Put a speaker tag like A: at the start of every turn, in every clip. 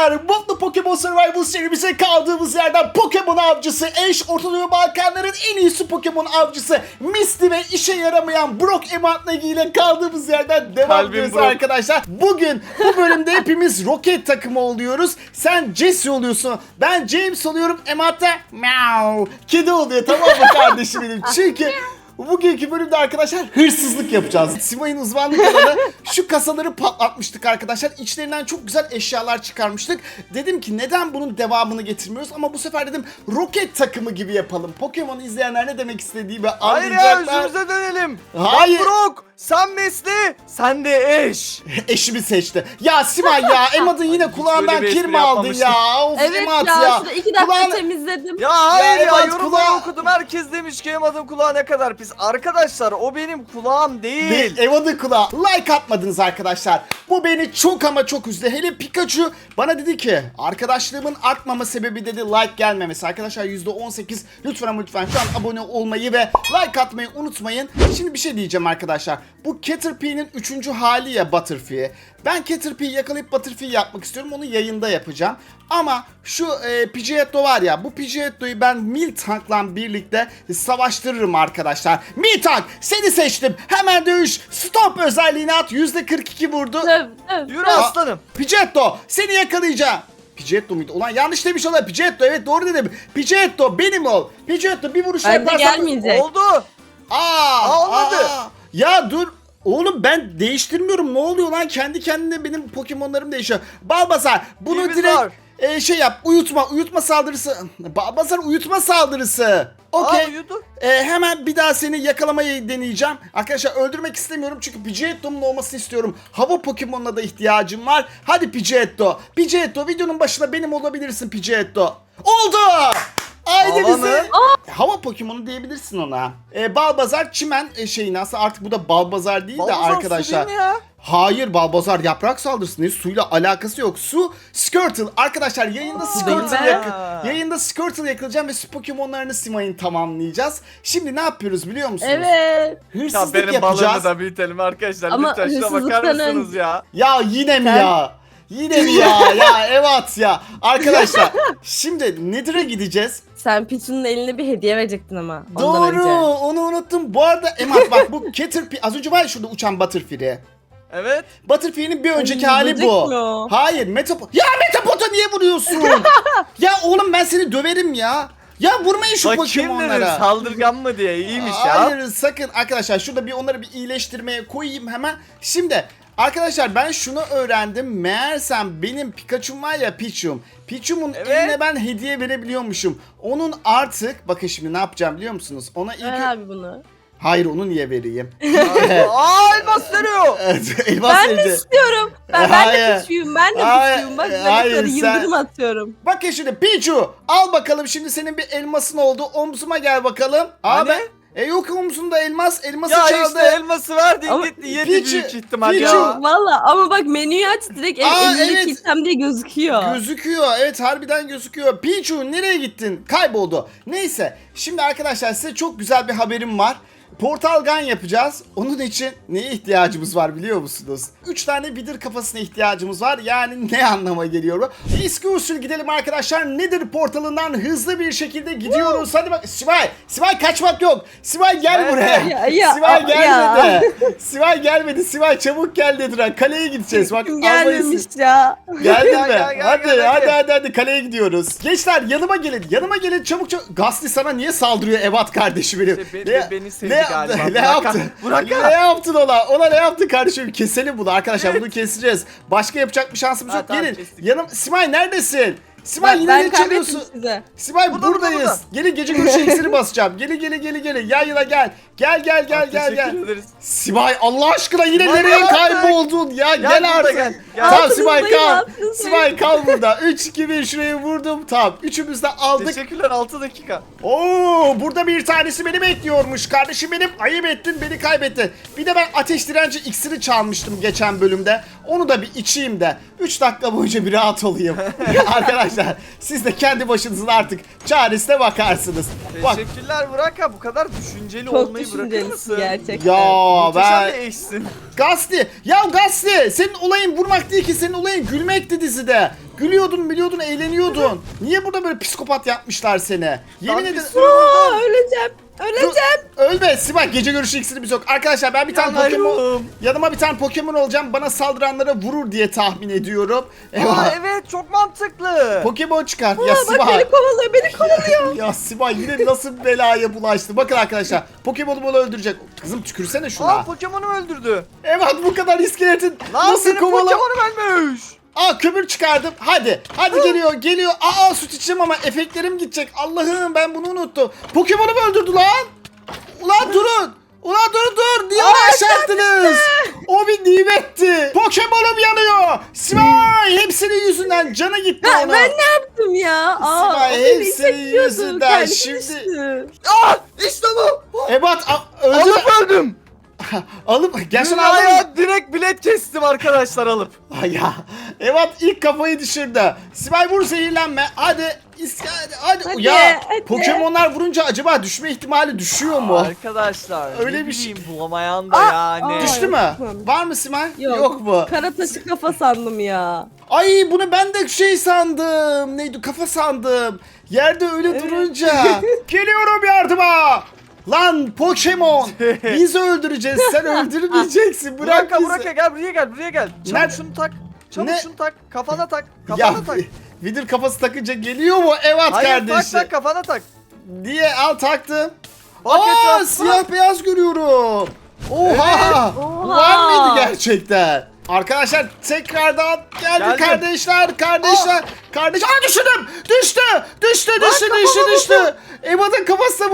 A: arkadaşlar, Mutlu Pokemon Survival serimize kaldığımız yerden Pokemon avcısı Ash, Orta Doğu Balkanların en iyisi Pokemon avcısı Misty ve işe yaramayan Brock Ematnagi ile kaldığımız yerden devam ediyoruz arkadaşlar. Bugün bu bölümde hepimiz Rocket takımı oluyoruz. Sen Jesse oluyorsun, ben James oluyorum, Emat da meow kedi oluyor, tamam mı kardeşim benim? Çünkü bugünkü bölümde arkadaşlar hırsızlık yapacağız. Simay'ın uzmanlık alanı, şu kasaları patlatmıştık arkadaşlar. İçlerinden çok güzel eşyalar çıkarmıştık. Dedim ki neden bunun devamını getirmiyoruz, ama bu sefer dedim Rocket takımı gibi yapalım. Pokemon'u izleyenler ne demek istediğimi anlayacaklar.
B: Hayır ya, özümüze dönelim.
A: Hayır.
B: Ben Brock, sen Mesli, sen de Ash.
A: Eşimi seçti. Ya Simay ya, Emad'ın yine kulağından
B: bir
A: kir
B: espri
A: mi aldın ya? Of,
C: Evet
A: Emad
C: ya, şurada 2 dakika temizledim.
B: Ya hayır ya,
A: Emat
B: yorumları
A: kulağı-
B: okudum. Herkes demiş ki Emad'ın kulağı ne kadar pis. Arkadaşlar o benim kulağım değil.
A: Emad'ın kulağı. Like atmadınız arkadaşlar. Bu beni çok ama çok üzdü. Hele Pikachu bana dedi ki arkadaşlığımın artmama sebebi dedi like gelmemesi. Arkadaşlar %18, lütfen ama lütfen şu an abone olmayı ve like atmayı unutmayın. Şimdi bir şey diyeceğim arkadaşlar. Bu Caterpie'nin 3. hali ya, Butterfree. Ben Caterpie'yi yakalayıp Butterfree yapmak istiyorum. Onu yayında yapacağım. Ama şu Pidgeotto var ya, bu Pidgeotto'yu ben Miltank'la birlikte savaştırırım arkadaşlar. Miltank, seni seçtim. Hemen dövüş. Stop özelliğini at. %42 vurdu.
B: Yürü aslanım.
A: Pidgeotto, seni yakalayacağım. Pidgeotto muydu? Ulan yanlış demiş olan Pidgeotto. Evet, doğru dedim. Pidgeotto benim ol. Pidgeotto bir vuruş
C: Bence
A: yaparsan...
C: gelmeyecek.
B: Oldu.
A: Olmadı.
B: Olmadı.
A: Ya dur. Oğlum ben değiştirmiyorum. Ne oluyor lan? Kendi kendine benim Pokemon'larım değişiyor. Balbazar, bunu
B: İyimiz
A: direkt
B: var.
A: şey yap. Uyutma saldırısı. Balbazar, uyutma saldırısı. Okey.
B: Uyudu.
A: Hemen bir daha seni yakalamayı deneyeceğim. Arkadaşlar öldürmek istemiyorum çünkü Pidgeotto'nun olmasını istiyorum. Hava Pokemon'una da ihtiyacım var. Hadi Pidgeotto. Pidgeotto, videonun başında benim olabilirsin Pidgeotto. Oldu. Haydi
B: Hava
A: bize.
B: mı?
A: Hava Pokemon'u diyebilirsin ona. Balbazar çimen şeyi, nasıl artık bu da Balbazar değil de
B: Balbazar su
A: arkadaşlar.
B: değil mi ya?
A: Hayır, Balbazar yaprak saldırısı değil. Suyla alakası yok. Su Squirtle. Arkadaşlar yayında Squirtle
C: be.
A: yayında Squirtle yakalayacağım ve su Pokemon'larını Simay'ın tamamlayacağız. Şimdi ne yapıyoruz biliyor musunuz?
C: Evet.
B: Ya
A: Hırsızlık
B: benim balığımı
A: yapacağız.
B: da büyütelim arkadaşlar.
C: Ama
B: Lütfen şuna bakar
C: hırsızlıktan
B: mısınız ya?
A: Ya yine mi
C: Sen-
A: ya? Yine mi ya? Ya evet ya. Arkadaşlar şimdi Nether'a gideceğiz.
C: Sen Pichu'nun eline bir hediye verecektin ama ondan
A: Doğru,
C: önce.
A: onu unuttum. Bu arada Emad bak, bu Caterpie az önce var ya şurada uçan Butterfree.
B: Evet.
A: Butterfree'nin bir önceki
C: Ay,
A: hali
C: böcek
A: bu.
C: mi o?
A: Hayır, Ya Metapod'a niye vuruyorsun? Ya oğlum ben seni döverim ya. Ya vurmayın şu
B: Bakayım dedim
A: Pokemon'lara.
B: saldırgan mı diye, iyiymiş ya.
A: Hayır sakın arkadaşlar, şurada bir onları bir iyileştirmeye koyayım hemen. Şimdi arkadaşlar ben şunu öğrendim. Meğersem benim Pikachu'm var ya, Pichu'mun
B: Evet.
A: eline ben hediye verebiliyormuşum. Onun artık bakın şimdi ne yapacağım biliyor musunuz? Ona ilk
C: Ver abi bunu.
A: Hayır, onu niye vereyim?
B: Aa, elmas veriyor.
A: Elmas
C: Ben de
A: hediye.
C: istiyorum. Ben
A: Hayır.
C: de Pichu'yum. Ben de
A: Hayır.
C: Pichu'yum. Bak
A: Hayır,
C: bebekleri
A: sen-
C: yıldırım atıyorum.
A: Bakın şimdi Pichu, al bakalım şimdi senin bir elmasın oldu. Omzuma gel bakalım.
B: Hani?
A: Yok omzunda elması
B: Ya
A: çaldı.
B: işte elması verdi
C: Ama
B: gitti yedi
A: Pichu-
B: büyük ihtimal
A: Pichu-
B: ya.
C: Valla ama bak menüyü aç direkt elindeki
A: evet.
C: item diye gözüküyor.
A: Gözüküyor. Evet, harbiden gözüküyor. Pichu nereye gittin? Kayboldu. Neyse. Şimdi arkadaşlar size çok güzel bir haberim var. Portal Gun yapacağız. Onun için neye ihtiyacımız var biliyor musunuz? 3 tane Wither kafasına ihtiyacımız var. Yani ne anlama geliyor bu? Eski usul gidelim arkadaşlar. Nether portalından hızlı bir şekilde gidiyoruz. Hadi bak. Sivay kaçmak yok. Sivay gel
B: Evet.
A: buraya.
C: Ya,
A: Sivay gelmedi.
C: ya.
A: Sivay gelmedi. Sivay çabuk gel Nether'a. Kaleye gideceğiz. Bak
C: Kim
A: almayız.
C: gelmemiş ya.
A: Geldin
B: Gel,
A: mi?
B: gel, gel,
A: hadi,
B: gel,
A: hadi,
B: hadi.
A: hadi kaleye gidiyoruz. Gençler yanıma gelin çabuk. Gasly sana niye saldırıyor Evat kardeşim benim?
B: İşte beni sevdi galiba.
A: Ne yaptın?
B: Burak
A: Ne yaptın ona? Ona ne yaptın kardeşim? Keselim bunu arkadaşlar, bunu keseceğiz. Başka yapacak bir şansımız
B: Ha,
A: yok.
B: tamam,
A: Gelin.
B: kestik.
A: Simay neredesin? Simay yine
C: Ben
A: ne
C: kaybettim
A: çalıyorsun?
C: size.
A: Simay
B: Burada,
A: buradayız.
B: burada.
A: Gelin, gece görüşü iksiri basacağım. Gelin. Yayla gel. Gel.
B: Teşekkür ederiz.
A: Simay Allah aşkına yine
B: Simay,
A: nereye
B: ne yaptın?
A: kayboldun ya? Gel
B: burada
A: artık.
B: gel.
A: Tamam
C: Altınızdayım,
A: Simay kal.
C: altınızdayım.
A: Simay kal burada. 3 2 1 şuraya vurdum. Tamam. Üçümüz de aldık.
B: Teşekkürler 6 dakika.
A: Oo, burada bir tanesi beni bekliyormuş. Kardeşim benim, ayıp ettin, beni kaybettin. Bir de ben ateş direnci iksiri çalmıştım geçen bölümde. Onu da bir içeyim de 3 dakika boyunca bir rahat olayım. Arkadaşlar siz de kendi başınızın artık çaresine bakarsınız. Bak
B: Teşekkürler Burak abi, bu kadar düşünceli
C: Çok
B: olmayı bırakır
C: düşüncelisin
B: mısın?
C: gerçekten.
A: ya
B: Muhteşem
A: ben...
B: bir eşsin.
A: Gazli! Ya Gazli! Senin olayın vurmak değil ki, senin olayın gülmekti dizide. Gülüyordun, biliyordun, eğleniyordun. Niye burada böyle psikopat yapmışlar seni? Yemin
B: Lan
A: ederim...
B: bir
C: Aa, öleceğim. Öleceğim.
A: Ölme Sibel, gece görüşü iksirimiz yok. Arkadaşlar ben bir tane Pokemon...
B: Yanarım.
A: Yanıma bir tane Pokemon olacağım. Bana saldıranlara vurur diye tahmin ediyorum.
B: Aa, evet, çok mantıklı.
A: Pokemon çıkart. Ya
C: Aa, bak beni
A: Sibel.
C: kovalıyor, beni kovalıyor.
A: Ya Sibel yine nasıl belaya bulaştı. Bakın arkadaşlar. Pokemon'u bunu öldürecek. Kızım tükürsene şuna.
B: Aa, Pokemon'u öldürdü.
A: Evet, bu kadar iskeletin
B: Lan
A: nasıl
B: senin
A: kovala...
B: Pokemon'u ölmüş.
A: Aa, kömür çıkardım. Hadi. Hadi geliyor. Aa, süt içeceğim ama efektlerim gidecek. Allah'ım, ben bunu unuttum. Pokemon'u mu öldürdü lan? Ulan durun. Ulan dur. Niye onu aşağı attınız? O bir nimetti. Pokemon'um yanıyor. Sibel, hepsinin yüzünden canı gitti
C: Ha,
A: ona.
C: ben ne yaptım ya? Aa,
A: Sibel,
C: o beni
A: hepsinin
C: itekliyordu,
A: yüzünden
C: kendisi
A: şimdi-
C: düştü.
B: Aa, işte bu.
A: Ebat öldü.
B: Alıp öldüm.
A: Alıp gerçekten aldın mı?
B: Dünyaya direkt bilet kestim arkadaşlar alıp.
A: Ay ya. Ebat ilk kafayı düşürdü. Sibel vur, zehirlenme. Hadi. Hadi. Ya
C: hadi.
A: Pokemonlar vurunca acaba düşme ihtimali düşüyor mu?
B: Arkadaşlar
A: Öyle
B: ne
A: bir şey-
B: bileyim, bulamayan da yani.
C: aa.
A: Düştü mü?
C: Yok.
A: Var mı Simay?
C: Yok.
A: mu?
C: Kara taşı kafa sandım ya.
A: Ay, bunu ben de şey sandım. Neydi? Kafa sandım. Yerde öyle durunca. Geliyorum yardıma. Lan Pokemon. Biz öldüreceğiz. Sen öldürmeyeceksin. Bırak
B: Burak
A: bizi.
B: gel, buraya gel. Çabuk
A: Nerede?
B: şunu tak. Çabuk
A: Ne?
B: şunu tak. Kafana tak.
A: Ya
B: Kafana tak.
A: Vidir kafası takınca geliyor mu? Evet
B: Hayır,
A: kardeşim.
B: tak kafana tak.
A: Diye al, taktım.
B: Bak
A: Aa,
B: etrafına.
A: siyah beyaz görüyorum. Oha.
B: Evet.
C: Oha.
A: Var mıydı gerçekten? Arkadaşlar tekrardan geldi
B: Geldim.
A: kardeşler. Kardeş. Aa, düşürdüm. Düştü. Emad'ın kafasına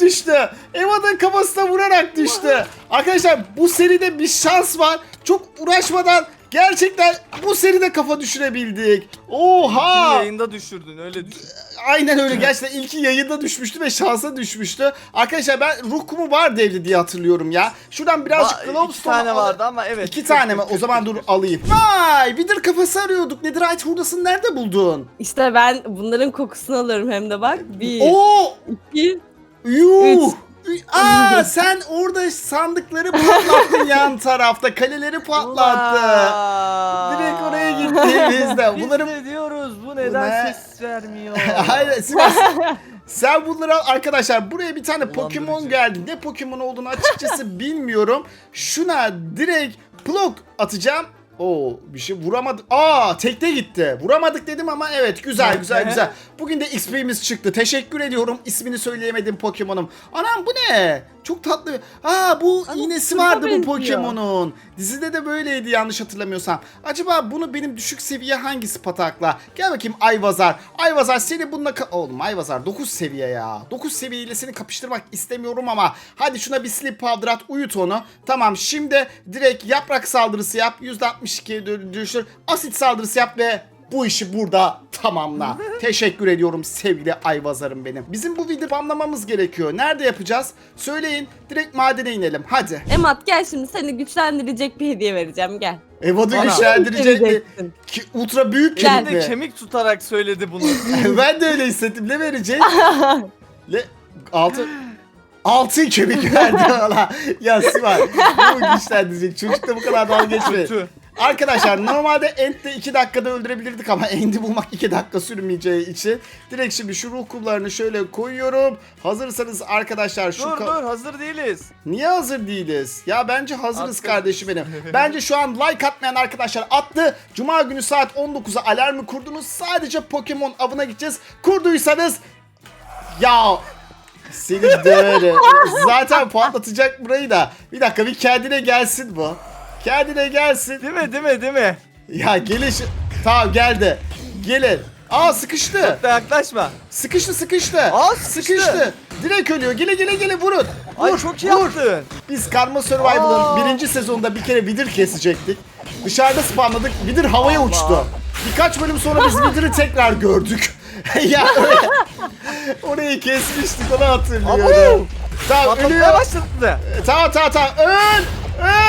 A: vurarak düştü. Arkadaşlar bu seride bir şans var. Çok uğraşmadan gerçekten bu seride kafa düşürebildik. Oha.
B: Yayında düşürdün, öyle düşün.
A: Aynen öyle, gerçekten ilki yayında düşmüştü ve şansa düşmüştü. Arkadaşlar ben ruh kumu var devli diye hatırlıyorum ya. Şuradan birazcık
B: İki
A: glowstone
B: tane vardı ama evet.
A: 2 tane mi? O zaman dur alayım. Vay, Wither kafası arıyorduk. Netherite hurdasını nerede buldun?
C: İşte ben bunların kokusunu alıyorum hem de bak. 1,
A: Oo!
C: 2,
A: Yuh! Aa, sen orada sandıkları patlattın yan tarafta. Kaleleri patlattı. Direkt oraya gittiğimizde. Bunların...
B: Biz de diyoruz, bu
A: Bu
B: neden
A: ne?
B: ses vermiyor?
A: Hayır Sivas. Sen bunları al arkadaşlar. Buraya bir tane Pokemon
B: Dolandırıcı.
A: geldi. Ne Pokemon olduğunu açıkçası bilmiyorum. Şuna direkt plok atacağım. Oo, bir şey vuramadık. Aa, tekte gitti. Vuramadık dedim ama evet, güzel. Bugün de XP'miz çıktı. Teşekkür ediyorum. İsmini söyleyemedim Pokemon'um. Anam, bu ne? Çok tatlı. Aa, bu
C: Ama
A: iğnesi
C: kurta
A: vardı bu
C: benziyor.
A: Pokemon'un. Dizide de böyleydi yanlış hatırlamıyorsam. Acaba bunu benim düşük seviye hangisi patakla? Gel bakayım Ayvazar. Ayvazar seni bununla... Oğlum Ayvazar 9 seviye ya. 9 seviyeyle seni kapıştırmak istemiyorum ama hadi şuna bir sleep powder at, uyut onu. Tamam, şimdi direkt yaprak saldırısı yap. %62'ye düşür. Asit saldırısı yap ve bu işi burada tamamla. Teşekkür ediyorum sevgili Ayvazar'ım benim. Bizim bu videoyu anlamamız gerekiyor. Nerede yapacağız? Söyleyin. Direkt madene inelim. Hadi.
C: Emat gel, şimdi seni güçlendirecek bir hediye vereceğim, gel.
A: Evat'ı
B: Bana.
A: güçlendirecek mi?
C: Vereceksin.
A: Ki ultra büyük
C: Gel.
A: kemik
B: Bir de
A: mi?
B: kemik tutarak söyledi bunu.
A: Ben de öyle hissettim. Ne verecek? Altın kemik verdi valla. Ya Sivay, bu güçlendirecek. Çocuk da bu kadar dalga geçme.
B: Kötü.
A: Arkadaşlar normalde Ent'de 2 dakikada öldürebilirdik ama Ent'i bulmak 2 dakika sürmeyeceği için direkt şimdi şu ruh kumlarını şöyle koyuyorum. Hazırsanız arkadaşlar şu...
B: Dur hazır değiliz.
A: Niye hazır değiliz? Ya bence hazırız
B: Attık.
A: kardeşim benim. Bence şu an like atmayan arkadaşlar attı. Cuma günü saat 19'a alarmı kurdunuz. Sadece Pokemon avına gideceğiz. Kurduysanız... Ya... Seni döverim. Zaten patlatacak burayı da. Bir dakika, bir kendine gelsin bu. Kendine gelsin.
B: Değil mi?
A: Ya gelin şu... Tamam, geldi. Gelin. Aa, sıkıştı.
B: Çok da yaklaşma.
A: Sıkıştı.
B: Aa, sıkıştı.
A: Direkt ölüyor. Gele vurun.
B: Ay
A: Vur,
B: çok iyi
A: vur.
B: yaptın.
A: Biz Karma Survival'ın
B: Aa.
A: 1. sezonunda bir kere Wither kesecektik. Dışarıda spamladık. Wither havaya
B: Allah.
A: uçtu. Birkaç bölüm sonra biz Wither'ı tekrar gördük. Ya orayı kesmiştik, onu hatırlıyorum.
B: Abo.
A: Tamam,
B: Patlatmaya
A: ölüyor.
B: başladı.
A: Tamam. Öl.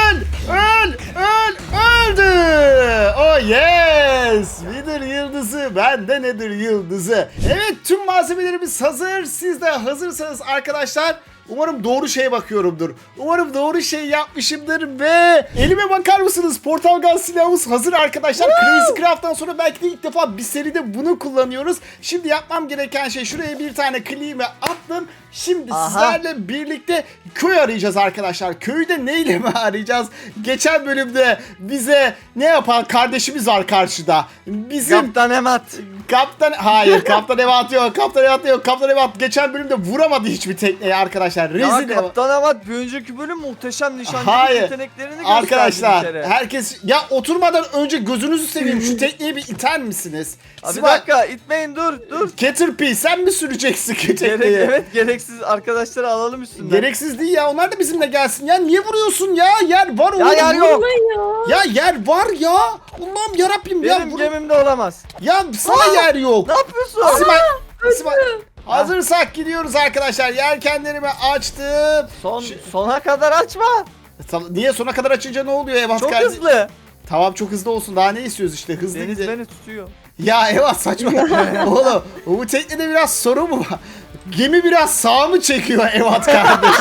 A: Öldü. Oh yes. Nedir yıldızı? Bende nedir yıldızı? Evet, tüm malzemelerimiz hazır. Siz de hazırsanız arkadaşlar, umarım doğru şeye bakıyorumdur. Umarım doğru şey yapmışımdır ve elime bakar mısınız? Portal Gun silahımız hazır arkadaşlar. Crazy Craft'tan sonra belki de ilk defa bir seride bunu kullanıyoruz. Şimdi yapmam gereken şey, şuraya bir tane kliğimi attım. Şimdi sizlerle birlikte köy arayacağız arkadaşlar. Köyde neyle mi arayacağız? Geçen bölümde bize ne yapan kardeşimiz var karşıda. Bizim
B: Kaptan Emat.
A: Hayır, Kaptan Evat yok. Kaptan Evat geçen bölümde vuramadı hiçbir tekneyi arkadaşlar.
B: Ya
A: Rezil Evat.
B: Kaptan Emat bir önceki bölüm muhteşem nişancılık
A: Hayır.
B: yeteneklerini gösterdi bir
A: Arkadaşlar
B: kere.
A: herkes ya, oturmadan önce gözünüzü seveyim, şu tekneyi bir iter misiniz?
B: Abi bir dakika itmeyin, dur.
A: Caterpie, sen mi süreceksin tekneyi?
B: Evet, gereksiz arkadaşları alalım üstünden.
A: Gereksiz değil ya, onlar da bizimle gelsin ya, niye vuruyorsun ya? Yer var
B: Ya
A: oğlum.
B: yer yok.
A: Ya yer var ya. Allah'ım yarabbim ya.
B: Benim gemimde olamaz.
A: Ya sana yer yok.
B: Ne yapıyorsun?
A: Simay, hazırsak gidiyoruz arkadaşlar. Yelkenlerimi açtım.
B: Sona kadar açma.
A: Niye, sona kadar açınca ne oluyor Evat
B: Çok
A: kardeşim?
B: hızlı.
A: Tamam, çok hızlı olsun. Daha ne istiyoruz işte, hızlı
B: Deniz
A: gidelim.
B: beni tutuyor.
A: Ya Evat saçma. Oğlum bu teknede biraz sorun mu var? Gemi biraz sağa mı çekiyor Evat kardeş?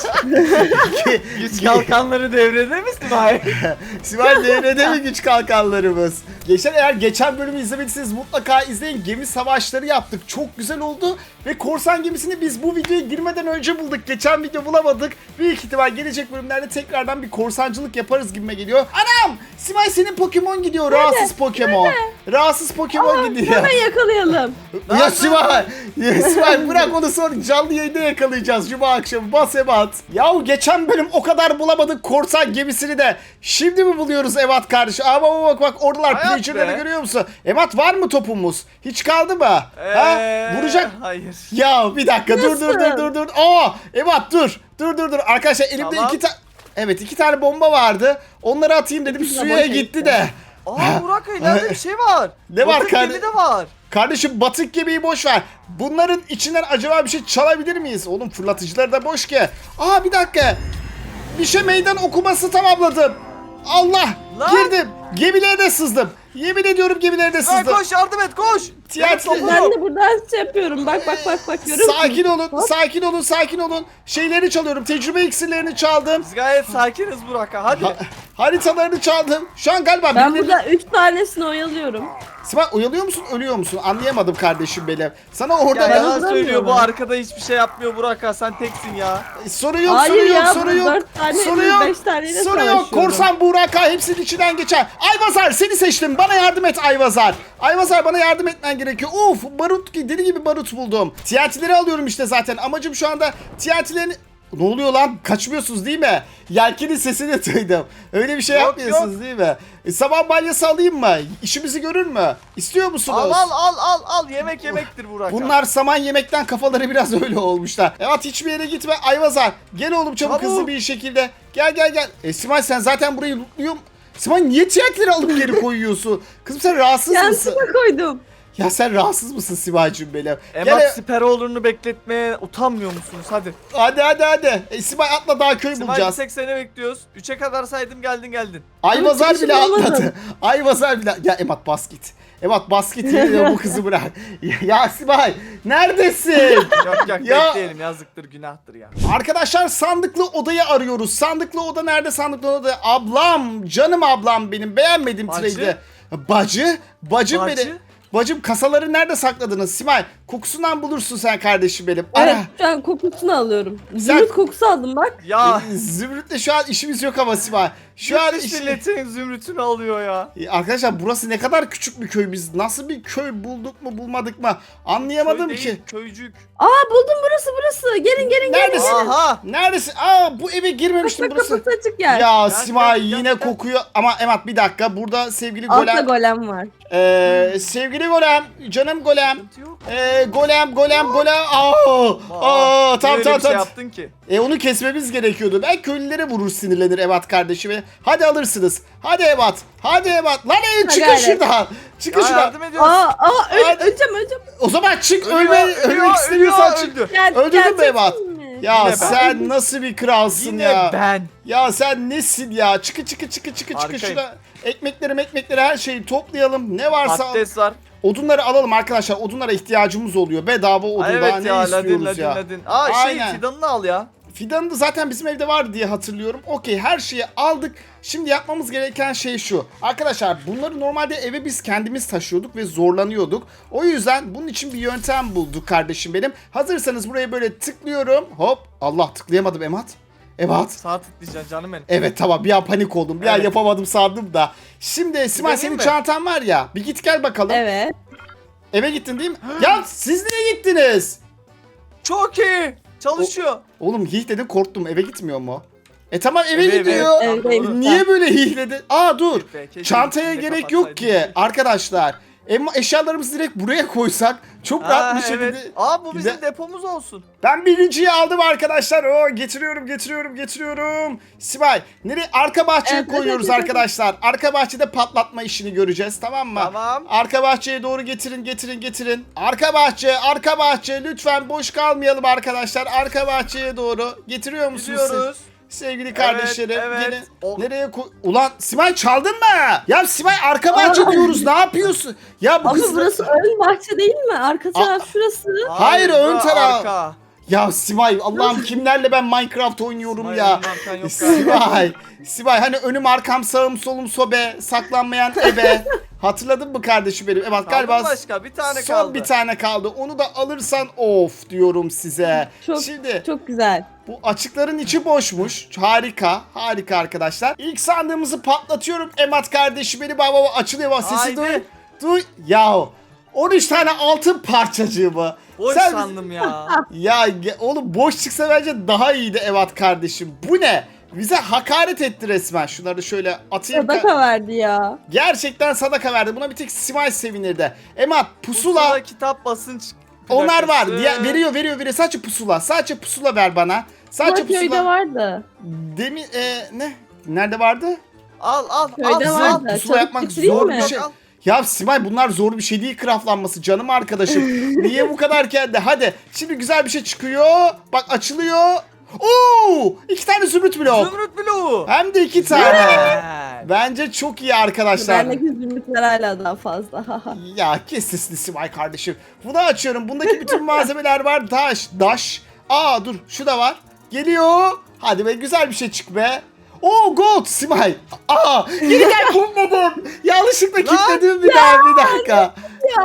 B: Güç kalkanları devrede mi Simay?
A: Simay devrede mi güç kalkanlarımız? Eğer geçen bölümü izlemediyseniz mutlaka izleyin. Gemi savaşları yaptık. Çok güzel oldu. Ve korsan gemisini biz bu videoya girmeden önce bulduk. Geçen video bulamadık. Büyük ihtimal gelecek bölümlerde tekrardan bir korsancılık yaparız gibime geliyor. Anam! Simay, senin Pokemon gidiyor. Rahatsız Pokemon. Rahatsız Pokemon gidiyor.
C: Hemen yakalayalım.
A: Ya Simay! Ya Simay, bırak onu, sonra canlı yayında yakalayacağız Cuma akşamı. Bas Ebat. Yahu geçen bölüm o kadar bulamadık korsan gemisini de. Şimdi mi buluyoruz Ebat kardeşim? Ama bak oradalar,
B: Hayat
A: pillager'ları
B: be.
A: görüyor musun? Ebat, var mı topumuz? Hiç kaldı mı? Ha? Vuracak.
B: Hayır.
A: Ya bir dakika, dur. Aa Ebat, dur. Arkadaşlar elimde
B: Tamam.
A: iki tane bomba vardı. Onları atayım dedim,
C: İkisi de
A: suya
C: boşa
A: gitti
C: gitti.
A: de.
B: Aa Burak, ileride bir şey var.
A: Ne var
B: Batık
A: kardeşim?
B: gemi de var.
A: Kardeşim, batık gemiyi boş ver. Bunların içinden acaba bir şey çalabilir miyiz? Oğlum fırlatıcılar da boş ki. Aa bir dakika. Bir şey meydan okuması tamamladım. Allah!
B: Lan!
A: Girdim. Gemilere de sızdım. Yemin ediyorum gemilere de
B: Lan
A: sızdım.
B: koş, yardım et, koş.
A: Tiyatro-
B: Benim
C: Ben
B: topum.
C: de buradan şey yapıyorum. Bak görüyor musun?
A: Sakin olun. Şeyleri çalıyorum. Tecrübe iksirlerini çaldım.
B: Biz gayet sakiniz Burak, hadi.
A: Haritalarını çaldım. Şu an galiba
C: Ben
A: birileri-
C: burada 3 tanesini oyalıyorum.
A: Simay, uyalıyor musun, ölüyor musun? Anlayamadım kardeşim benim. Sana orada
B: Ya
C: Ben
B: yalan
C: hazırlamıyorum.
B: söylüyor, bu arkada hiçbir şey yapmıyor Burak ha, sen teksin ya.
A: Soru yok,
C: Hayır ya,
A: soru yok.
C: 4 tane,
A: Soru yok.
C: 5 taneyle
A: Soru yok.
C: savaşıyorum.
A: Korsan Buğraka hepsinin içinden geçer. Ayvazar, seni seçtim. Bana yardım et Ayvazar. Ayvazar, bana yardım etmen gerekiyor. Uf, barut, deli gibi barut buldum. TNT'leri alıyorum işte zaten. Amacım şu anda TNT'lerini... Ne oluyor lan? Kaçmıyorsunuz değil mi? Yelkenin sesini duydum. Öyle bir şey
B: Yok,
A: yapmıyorsunuz değil mi? Sabah balyası alayım mı? İşimizi görür mü? İstiyor musunuz?
B: Al, yemek yemektir Burak.
A: Bunlar saman yemekten kafaları biraz öyle olmuşlar. Evet, hiçbir yere gitme Ayvazar. Gel oğlum çabuk,
B: Çabuk.
A: hızlı bir şekilde. Gel. Simay, sen zaten burayı lootluyorsun. Simay, niye tiyatroları alıp geri koyuyorsun? Kızım sen rahatsız mısın?
C: Yansıma koydum.
A: Ya sen rahatsız mısın Simay'cığım benim?
B: Emat Siperoğlu'nu bekletmeye utanmıyor musunuz? Hadi.
A: Hadi. Simay atla, daha köy
B: Simay,
A: bulacağız.
B: bir tek seni bekliyoruz. 3'e kadar saydım, geldin.
A: Ayvazar
C: Ama
A: bile
C: çıkışını
A: atladı.
C: bulamadım.
A: Ayvazar bile... Ya Emat, bas git. Emat bas git, yemin ediyorum bu kızı bırak. Ya Simay, neredesin?
B: Yok
A: Ya.
B: bekleyelim, yazıktır, günahtır ya.
A: Arkadaşlar, sandıklı odayı arıyoruz. Sandıklı oda nerede? Sandıklı oda. Ablam, canım ablam benim. Beğenmedim
B: Bacı?
A: trade'i. Bacım
B: Bacı?
A: benim. Bacım, kasaları nerede sakladınız Simay? Kokusundan bulursun sen kardeşim benim.
C: Evet,
A: Ara.
C: şu an kokusunu alıyorum. Zümrüt kokusu aldım bak.
B: Ya.
A: Zümrüt'le şu an işimiz yok ama Simay. Şu an
B: milletin zümrütünü alıyor ya.
A: Arkadaşlar, burası ne kadar küçük bir köy. Biz nasıl bir köy bulduk mu bulmadık mı? Anlayamadım
B: Köy
A: ki.
B: değil, köycük.
C: Aa, buldum, burası. Gelin.
A: Neredesin?
B: Aha.
A: Neredesin? Aa, bu eve girmemiştim,
C: Bak
A: burası.
C: kapısı açık yer.
A: Ya
B: Gel,
A: Simay
B: gel,
A: yine
B: gel.
A: kokuyor ama Emat bir dakika, burada sevgili
C: Altta
A: golem,
C: golem var.
A: sevgili golem, canım golem,
B: Sıkıntı yok.
A: golem,
B: Niye
A: tamam.
B: öyle bir şey yaptın ki?
A: Onu kesmemiz gerekiyordu. Ben köylülere vurur, sinirlenir Evat kardeşime. Hadi alırsınız. Hadi Evat. Lan çıkın
C: gayret.
A: şuradan. Çıkın
B: Ya
A: şuradan.
B: yardım ediyoruz.
A: Hadi.
C: Öleceğim.
A: O zaman çık,
B: Ölüyor,
A: ölmek istemiyorsan çık.
B: öldü.
C: Gel,
A: Öldürdün mü
C: gerçek
A: Evat?
C: mi?
A: Ya
B: Yine ben.
A: sen nasıl bir kralsın
B: Yine
A: ya?
B: ben.
A: Ya sen nesin ya? Çıkı
B: Arkayım.
A: şurada. Ekmekleri her şeyi toplayalım. Ne varsa
B: Patates var.
A: odunları alalım arkadaşlar. Odunlara ihtiyacımız oluyor. Bedava odun
B: Aa,
A: daha
B: evet
A: ne
B: ya
A: istiyoruz ya?
B: ladin. Aa
A: Aynen.
B: fidanını al ya.
A: Fidanı da zaten bizim evde var diye hatırlıyorum. Okey, her şeyi aldık. Şimdi yapmamız gereken şey şu. Arkadaşlar bunları normalde eve biz kendimiz taşıyorduk ve zorlanıyorduk. O yüzden bunun için bir yöntem bulduk kardeşim benim. Hazırsanız buraya böyle tıklıyorum. Hop. Allah, tıklayamadım Emat. Evet.
B: Sağ tıklayacaksın canım benim.
A: Evet tamam, bir an panik oldum. Bir an
B: Evet.
A: yapamadım sandım da. Şimdi Simay,
B: Deneyim
A: senin
B: mi?
A: çantan var ya. Bir git gel bakalım.
C: Evet.
A: Eve gittin değil mi? Ya siz niye gittiniz?
B: Çok iyi. Çalışıyor.
A: Oğlum hihledi, korktum. Eve gitmiyor mu? Tamam eve
B: Eve,
A: gidiyor.
C: eve. Evdeyim ben.
A: Niye böyle hihledi? Aa dur.
B: Be, keşke
A: Çantaya
B: içinde
A: gerek yok
B: kapatsaydın.
A: ki arkadaşlar. Eşyalarımızı direkt buraya koysak çok rahat bir şekilde.
B: Evet. Aa bu bizim
A: Güzel.
B: depomuz olsun.
A: Ben birinciyi aldım arkadaşlar. Getiriyorum. Simay, nereye? Arka bahçeye
C: Evet,
A: koyuyoruz
C: evet.
A: arkadaşlar. Arka bahçede patlatma işini göreceğiz, tamam mı?
B: Tamam.
A: Arka bahçeye doğru getirin. Arka bahçe lütfen boş kalmayalım arkadaşlar. Arka bahçeye doğru getiriyor musunuz siz?
B: Gidiyoruz.
A: Sevgili kardeşlerim,
B: evet.
A: gelin.
B: Oh.
A: Nereye Ulan Simay, çaldın mı? Ya Simay, arka bahçe diyoruz. Ne yapıyorsun? Ya bu
C: Ama
A: kız
C: burası ön bahçe değil mi? Arka taraf şurası.
A: Hayır, ön
B: bura
A: taraf.
B: arka.
A: Ya Simay, Allah'ım kimlerle ben Minecraft oynuyorum
B: Simay,
A: ya.
B: önüm arkan yok galiba.
A: Simay hani önüm arkam sağım solum sobe, saklanmayan ebe. Hatırladın mı kardeşim benim? Evet
B: Kaldı
A: galiba
B: mı başka? Bir tane
A: son
B: kaldı.
A: bir tane kaldı. Onu da alırsan of diyorum size.
C: Çok
A: Şimdi
C: çok güzel.
A: bu açıkların içi boşmuş. Harika arkadaşlar. İlk sandığımızı patlatıyorum. Emat kardeşim benim, baba açılıyor bak, sesi
B: Haydi.
A: duy. Yahu 13 tane altın parçacığı mı?
B: Boş
A: Sen-
B: sandım ya.
A: Ya oğlum boş çıksa bence daha iyiydi Evat kardeşim. Bu ne? Bize hakaret etti resmen. Şunları şöyle atayım.
C: Sadaka verdi ya.
A: Gerçekten sadaka verdi. Buna bir tek Simay sevinirdi. Emat pusula.
B: Pusula, kitap, basınç.
A: Onlar var.
B: plakası.
A: Veriyor. Sadece pusula. Sadece pusula ver bana. Sadece
C: Ama köyde
A: pusula.
C: vardı.
A: Demin ne? Nerede vardı?
B: Al.
C: Köyde
A: al,
C: vardı.
A: pusula
C: Çabuk
A: yapmak
C: getireyim
A: zor
C: mi?
A: bir şey. Ya Simay, bunlar zor bir şey değil, craftlanması canım arkadaşım. Niye bu kadar kendi? Hadi şimdi güzel bir şey çıkıyor. Bak açılıyor. Oo! 2 tane zümrüt blok.
B: Zümrüt bloğu.
A: Hem de 2 tane.
B: Güzel.
A: Bence çok iyi arkadaşlar.
C: Bendeki zümrütler hala daha fazla.
A: Ya kes sesini Simay kardeşim. Bunu açıyorum. Bundaki bütün malzemeler var. Daş. Aa dur, şu da var. Geliyor. Hadi be, güzel bir şey çık be. Oo gold Simay. Aa geri gel, bulmadım. Yanlışlıkla kilitledim bir dakika.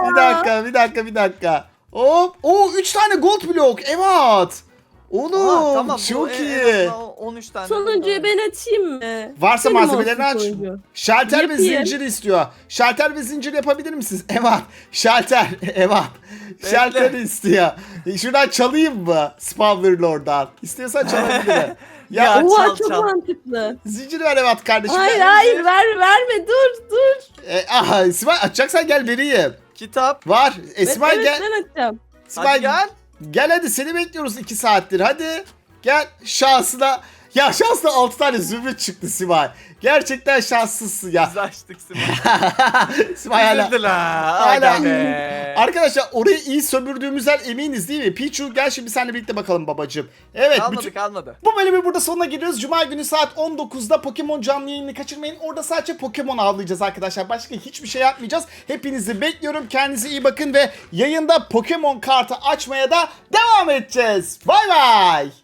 A: Bir dakika. Hop. Oo 3 tane gold blok. Evet. Oğlum
B: Aa, tamam, bu
A: çok
B: en
A: iyi.
B: azından 13 tane.
C: Sonuncuyu ben açayım mı?
A: Varsa
C: Benim
A: malzemelerini aç.
C: olsun sonuncu.
A: Şalter ve
C: Yapayım.
A: zincir istiyor. Şalter ve zincir yapabilir misiniz? Evet. Şalter. Evet. Şalter istiyor. Şuradan çalayım mı? Spawner Lord'dan. İstiyorsan çalabilirim. Ya,
B: Ya,
C: Oha
B: çal,
C: çok
B: çal.
C: mantıklı.
A: zincir ver Evet kardeşim.
C: Hayır verme dur.
A: Aha İsmail, açacaksan gel vereyim.
B: Kitap.
A: Var. İsmail
C: evet,
A: gel.
C: ben açacağım.
A: İsmail
B: Hadi gel.
A: Gel hadi, seni bekliyoruz 2 saattir. Hadi. Gel şansına. Ya şansına 6 tane zümrüt çıktı Simay. Gerçekten şanslısın ya.
B: Biz açtık Simay.
A: Simay hala.
B: Üzüldüler.
A: Hala.
B: Aga be.
A: Arkadaşlar orayı iyi sömürdüğümüzden eminiz değil mi? Pichu gel şimdi seninle birlikte bakalım babacığım. Evet.
B: Kalmadı.
A: Bu bölümü burada sonuna geliyoruz. Cuma günü saat 19'da Pokemon canlı yayını kaçırmayın. Orada sadece Pokemon avlayacağız arkadaşlar. Başka hiçbir şey yapmayacağız. Hepinizi bekliyorum. Kendinize iyi bakın ve yayında Pokemon kartı açmaya da devam edeceğiz. Bay bay.